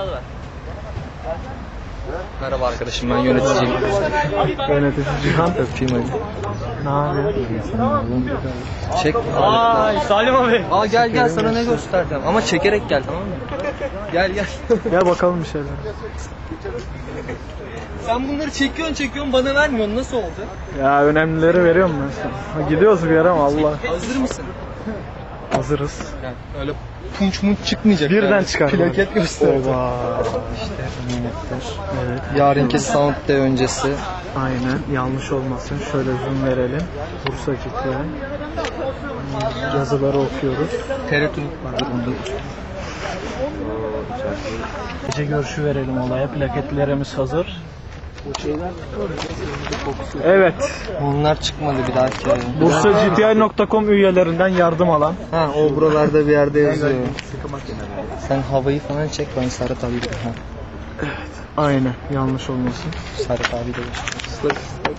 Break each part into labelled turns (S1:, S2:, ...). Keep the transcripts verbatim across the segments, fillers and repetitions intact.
S1: alıver. Merhaba arkadaşım, ben yöneticiyim.
S2: Yönetici Cihan.
S1: Öpeyim hadi.
S2: Ne yapıyorsun?
S1: Çek.
S2: Ay Salim abi.
S1: Aa gel gel, sana ne göstereceğim. Ama çekerek gel, tamam mı? Gel gel.
S2: Gel bakalım bir şeyler.
S1: Sen bunları çekiyorsun çekiyorsun, bana vermiyorsun. Nasıl oldu?
S2: Ya önemlileri veriyorum ben sana. Ha, gidiyoruz bir yere ama Allah.
S1: Hazır mısın?
S2: Hazırız.
S1: Yani öyle punç munç çıkmayacak.
S2: Birden
S1: yani.
S2: çıkar.
S1: Plaket göstereceğim.
S2: Oba.
S1: İşte eminettir.
S2: Evet.
S1: Yarınki Sound Day öncesi.
S2: Aynen. Yanlış olmasın. Şöyle zoom verelim. Bursa Ciddi. Yazıları okuyoruz.
S1: Teretunik vardır onda.
S2: Gece görüşü verelim olaya. Plaketlerimiz hazır. Evet.
S1: Bunlar çıkmadı bir dahaki ay.
S2: Bursa G T I nokta com üyelerinden yardım alan.
S1: Ha, o buralarda bir yerde yazıyor. Sen havayı falan çek, ben Serhat abi de. Ha.
S2: Evet. Aynen. Yanlış olmasın.
S1: Serhat abi de geçiyor.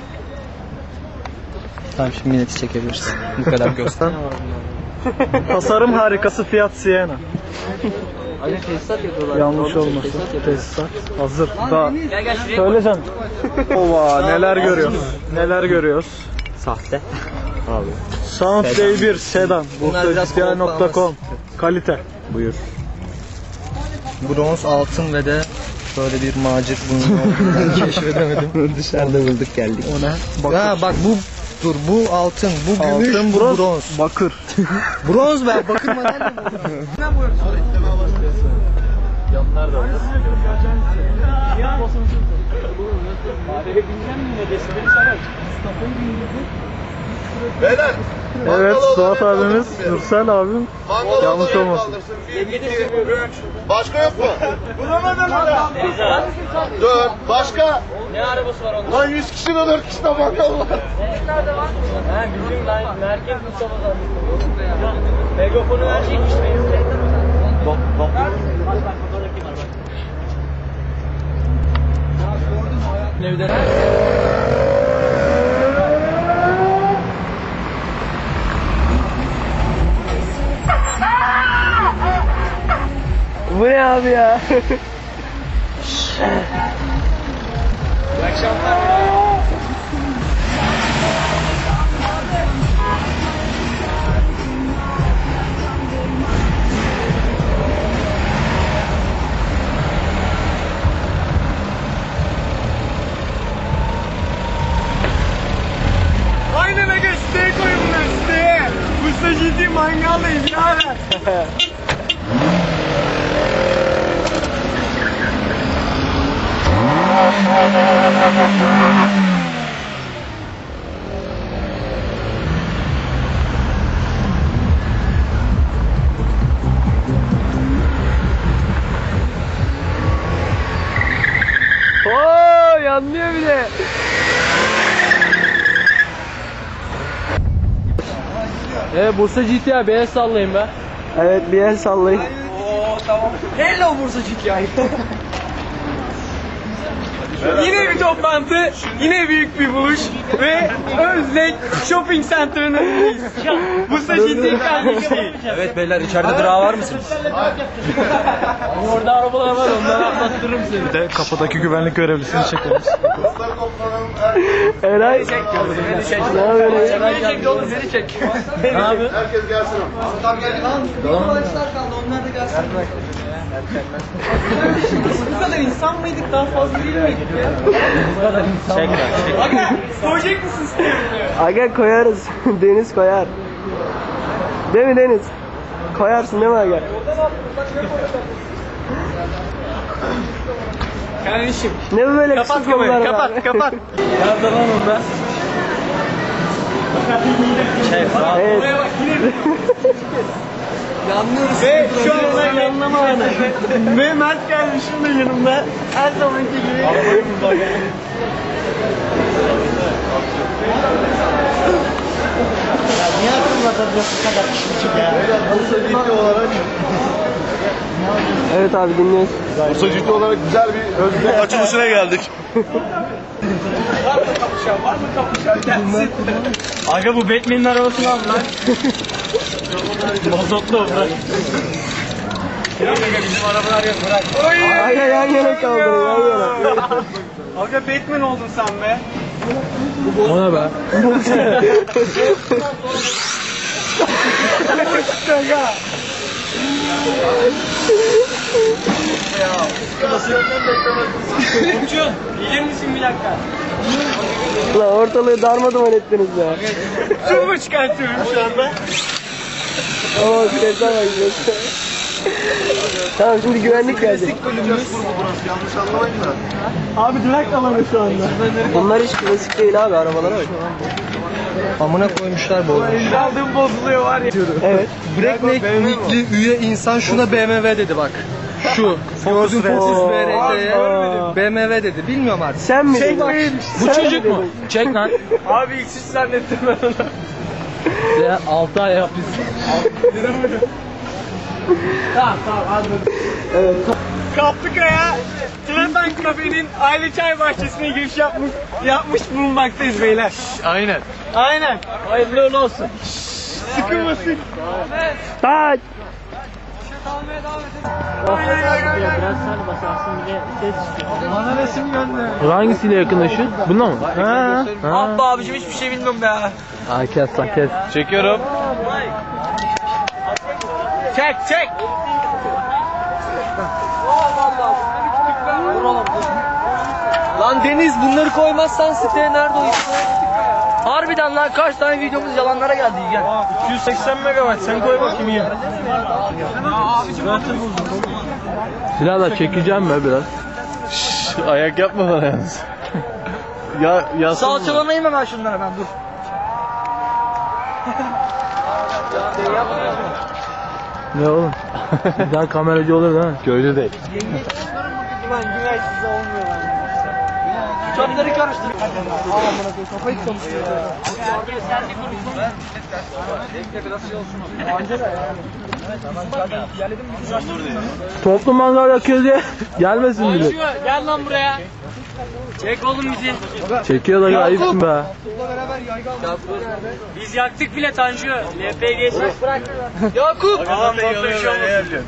S1: Tamam, şimdi milleti çekebilirsin. Bu kadar göster.
S2: Tasarım harikası Fiat Siena.
S1: Hani tesisat yapıyorlar.
S2: Yanlış olmasın. Tesisat hazır. Daha
S1: Gel gel şuraya.
S2: söyleyeceğim. Ova neler görüyoruz. Neler görüyoruz.
S1: Sahte. Abi.
S2: Sound Day bir sedan.
S1: Bunlar
S2: Bursa
S1: biraz
S2: G T I nokta com. Kalite.
S1: Buyur. Bronz, altın ve de böyle bir macir bunu keşfedemedim. Dışarıda bulduk geldik.
S2: O ne? Bakır.
S1: Ha bak, bu dur, bu altın, bu gümüş,
S2: Altın,
S1: bu
S2: bronz.
S1: bronz.
S2: Bakır.
S1: Bronz be, bakır madalya mı?
S2: Yanlar da var.
S3: Beyler.
S2: Evet, Suat abimiz, Nursel abim. Yanlış olmasın.
S3: bir, iki, üç. Başka yok mu? Bulamadın mı? dört. Başka?
S1: Ne arabası var onun?
S3: Lan yüz kişi de dört kişi de mangal var.
S1: Nerede var? Ha, bizim merkez Mustafa'dan. Megafonu verecekmiş benim. Bak bak. Nevden.
S2: Bu ne abi ya?
S1: İyi akşamlar.
S2: Aynen aga, siteye koyun bunlar siteye. Bursa ciddi mangaldayım birader. Oo, yanlıyor bir de.
S4: Evet, Bursa G T I, bir el sallayın be.
S2: Evet, bir el sallayın.
S4: Hello Bursa G T I. Yine bir toplantı, yine büyük bir buluş ve Özlek Shopping Center'ın önündeyiz. Bursa G T I kardeşliği.
S1: Evet beyler, içeride durağı var mısınız?
S4: Orada arabalar var, onları atlattırırım seni.
S2: Bir de kapıdaki güvenlik görevlisini çekeriz.
S3: Dostlar toplanalım.
S2: Eray.
S4: Beni çek, beni çek.
S2: Ne yapıyorsun?
S4: Beni çek oğlum, beni çek. Ne yapıyorsun?
S3: Herkes gelsin.
S1: Adam geldi lan. Arkadaşlar kaldı, onlar da gelsin.
S4: Bu kadar insan mıydık, daha fazla değil miydik ya? Bu kadar insan mıydık? Aga, koyacak mısın istiyorum diyor.
S5: Aga koyarız. Deniz koyar. Değil mi Deniz? Koyarsın değil mi Aga?
S4: Kardeşim.
S5: Ne bu böyle
S4: Kapat
S5: kısık
S4: kamerayı,
S5: konular
S4: kapat,
S5: var?
S4: kapat. Nerede lan onda? Şey,
S5: Evet.
S4: oraya bak yine.
S1: Yanlıyoruz.
S4: Ve şu anda yanlama anı. Ve Mert geldi şimdi yanımda. Her zamanki gibi. Ya niye akıllarda bu kadar küçük ya?
S3: Bursa Ciddi olarak
S5: Evet abi dinliyoruz.
S3: Bursa Ciddi olarak güzel bir özgür açılışına geldik.
S4: Var mı kapışan? Var mı kapışan? Gelsin. Aga bu Batman'in arabasını al lan. Mazotlu bırak.
S2: Bizim arabalar yok bırak.
S5: Aga yan yana kaldırın yan yana.
S2: Aga Batman oldun sen be.
S1: O ne be?
S4: Burcu, gelir misin bir dakika?
S5: Ulan ortalığı darmaduman ettiniz ya.
S2: Turbo çıkartıyorum şu anda.
S5: Oo sese bak sese. Tamam şimdi güvenlik geldi.
S3: Yanlış anlamayın da.
S2: Abi direkt alanı şu anda.
S5: Bunlar hiç klasik değil abi arabalara bak.
S1: Amına koymuşlar bu.
S2: Aldığım bozuluyor var ya.
S5: Evet.
S1: Breakneck nickli üye insan şuna B M W dedi bak. Şu Ford'un Focus B R T'ye B M W dedi. Bilmiyorum artık.
S5: Sen mi dedin?
S1: Bu
S5: Sen
S1: çocuk
S5: mi
S1: mu?
S5: dedin?
S1: Çek lan.
S2: Abi ilk siz zannettim ben onu.
S1: Ya altı ay yap biz.
S5: Evet.
S2: Kaplıkaya Trepen Kafe'nin aile çay bahçesine giriş yapmış, yapmış bulunmaktayız beyler.
S1: Aynen.
S2: Aynen.
S1: Hayırlı uğurlu olsun.
S2: Sıkılmasın.
S5: Taç.
S2: Bana resim gönder.
S1: Bu hangisiyle yakınlaşıyor? Bununla mı? Ha.
S4: Abba abicim hiçbir şey bilmiyorum ya.
S1: Ha kes lan kes. Çekiyorum.
S4: Çek çek.
S1: Lan Deniz bunları koymazsan siteye nerede o işte? Harbiden lan kaç tane videomuz yalanlara geldi gel.
S2: iki yüz seksen megabayt sen koy bakayım iyi.
S1: Silahla çekeceğim mi biraz? Ayak yapma bana yalnız. Ya yasın.
S4: Salçalamayayım hemen şunları ben dur.
S1: Ne oğlum? Bir daha kameracı olur değil mi? Köylü değil.
S2: Ulan güvensiz olmuyor lan.
S4: Çöpleri karıştır.
S1: Toplu mangal yakıyor diye gelmesin bile.
S4: Gel lan buraya. Çek oğlum bizi.
S1: Çekiyor da ayıpsın be.
S4: Biz yaktık bile Tanju. L P G çek bırak. Yakup.
S2: Tamam Photoshop.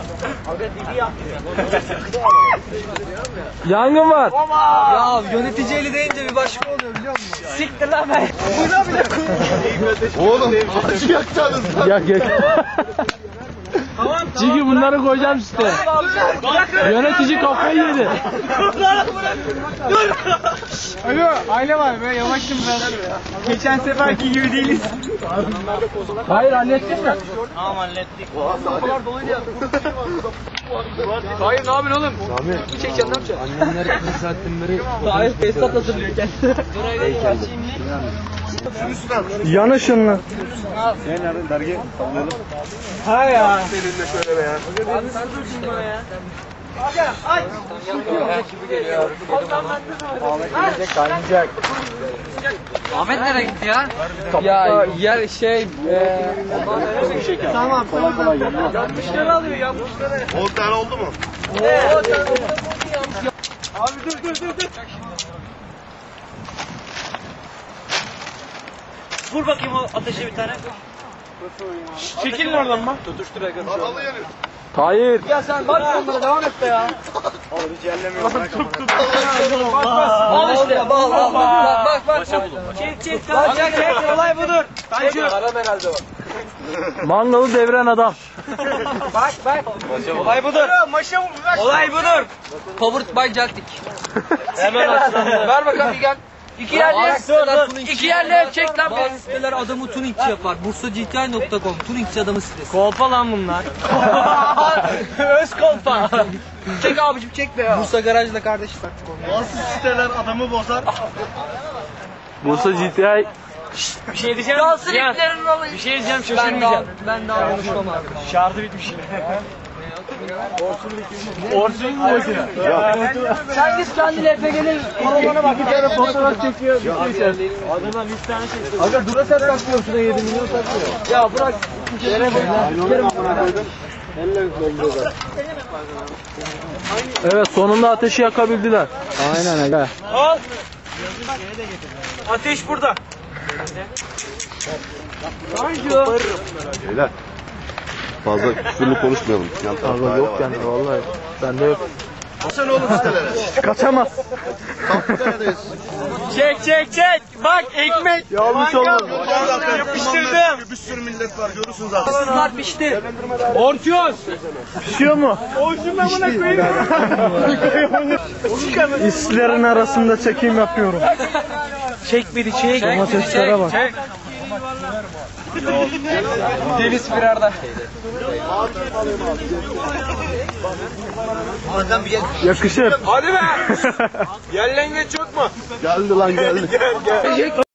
S1: Yangın var.
S4: Ya yönetici eli deyince bir başka oluyor biliyor musun? Siktir lan ben.
S3: Oğlum acı yakacaksınız lan.
S1: Yak yak. Çünkü bunları koyacağım siteye. Yönetici kafayı yedi.
S2: Alo aile var be yavaşım ben. Geçen seferki gibi değiliz.
S1: Hayır hallettin mi?
S4: Hayır ne yapıyorsun oğlum? Sami. Çekeceksin ne yapacaksın?
S1: Annemler kırk saatten beri.
S4: Hayır Fesat hazırlıyor kendisi.
S1: Yana şunla.
S2: Ha ya.
S3: Seninle şöyle be ya.
S4: Abi sen dursun bana ya. Ahmet nereye gitti ya? Ya yer şey eee
S2: Tamam tamam.
S4: yanlışları alıyor yanlışları.
S3: on tane oldu mu?
S2: Abi dur dur dur dur.
S4: Vur bakayım o ateşe bir tane.
S2: Çekilin oradan bak.
S3: Kanalı yanıyor.
S1: Hayır.
S4: Ya sen bak onlara devam et be ya.
S2: Bak bak.
S4: Al işte bak bak bak bak bak. Çek çek tamam çek çek olay budur. Tanju.
S1: Mangalı devren adam.
S4: Bak bak. Olay budur.
S2: Maşa mı?
S4: Olay budur. Powered by Jaltik. Hemen açsana. Ver bakalım bir gel. İki yerli iki yerli çek lan be.
S6: Siteler adamı tuningçi yapar. bursa g t i nokta com tuningçi adamı sitesi.
S4: Kolpa lan bunlar. Öz kolpa. Çek abicim çek be ya.
S6: Bursa garajla kardeşi taktık onu.
S3: Nasıl siteler adamı bozar?
S1: Bursa G T I.
S4: Bir şey diyeceğim.
S6: Kalsın
S4: Cihan,
S6: iplerin olayı.
S4: bir şey diyeceğim
S6: Ben daha,
S4: şaşırmayacağım.
S6: ben daha konuşmam abi.
S4: Şarjı bitmiş.
S2: Orsun mu makine?
S6: Sen git kendi L P G'nin kolonuna bak.
S2: Bir tane fotoğraf çekiyor. Adamlar yüz tane çekiyor.
S1: Aga Duracell takmıyor şuna yedi milyon takmıyor.
S6: Ya bırak.
S1: Evet sonunda ateşi yakabildiler. Aynen aga.
S4: Al. Ateş burada.
S3: Beyler. Fazla küfürlü konuşmayalım. Yan tarafta
S5: Abi yok yani vallahi. Bende yok.
S3: Sen oğlum sitelere.
S5: Kaçamaz.
S3: Neredeyiz?
S4: Çek çek çek. Bak ekmek.
S5: Yanlış
S4: mangal.
S5: olmadı.
S4: Yapıştırdım.
S3: Bir sürü millet var görürsünüz zaten.
S6: Bunlar pişti.
S4: Orçun.
S5: Pişiyor mu?
S4: Orçun'dan buna koyayım.
S5: İslerin arasında çekim yapıyorum.
S6: Çek beni çek.
S5: Domateslere bak.
S4: Çek. Deniz firarda.
S5: Yakışır.
S4: Hadi be. Yerlengeç yok mu?
S3: Geldi lan geldi.